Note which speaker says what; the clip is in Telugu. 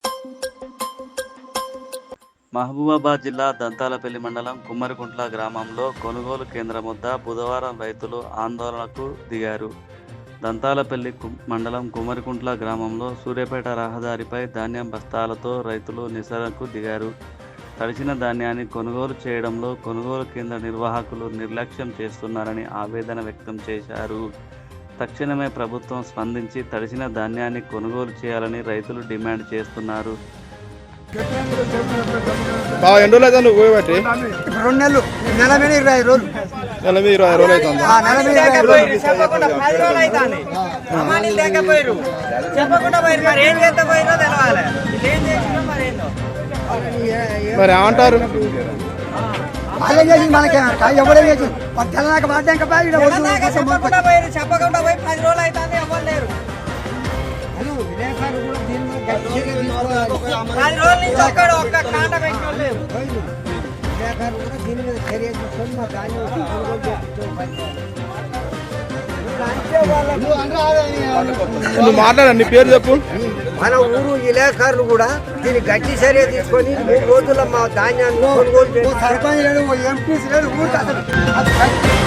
Speaker 1: మహబూబాబాద్ జిల్లా దంతాలపల్లి మండలం కుమ్మరికుంట్ల గ్రామంలో కొనుగోలు కేంద్రం వద్ద బుధవారం రైతులు ఆందోళనకు దిగారు. దంతాలపల్లి మండలం కుమ్మరికుంట్ల గ్రామంలో సూర్యాపేట రహదారిపై ధాన్యం బస్తాలతో రైతులు నిరసనకు దిగారు. తడిసిన ధాన్యాన్ని కొనుగోలు చేయడంలో కొనుగోలు కేంద్ర నిర్వాహకులు నిర్లక్ష్యం చేస్తున్నారని ఆవేదన వ్యక్తం చేశారు. తక్షణమే ప్రభుత్వం స్పందించి తడిసిన ధాన్యాన్ని కొనుగోలు చేయాలని రైతులు డిమాండ్ చేస్తున్నారు.
Speaker 2: ఎన్ని రోజులు అయితే నువ్వు పోయబట్టి?
Speaker 3: 2 నెలలు, నెల మీద 20 రోజులు.
Speaker 2: నెల మీద 20 రోజులు అవుతుంది. మరి ఏమంటారు?
Speaker 3: వాళ్ళే చేసి మనకి ఎవరే చేసి తెల్లనాక పడ్డాక
Speaker 4: చెప్పకుండా పోయి 10 రోజులు అవుతుంది. ఎవరు లేరు. 10 రోజుల నుంచి ఒక్క కాంట పెట్టిన లేరు.
Speaker 3: దీని మీద చర్య తీసుకొని మా ధాన్యం
Speaker 2: నువ్వు మాట్లాడండి, నీ పేరు చెప్పు.
Speaker 3: మన ఊరు విలేకరులు కూడా దీన్ని గట్టి చర్య తీసుకొని 3 రోజుల్లో మా ధాన్యాన్ని కొనుగోలు చేసి సర్పంచ్ లేడు, ఎంపీసీ లేడు, ఊరికి అసలు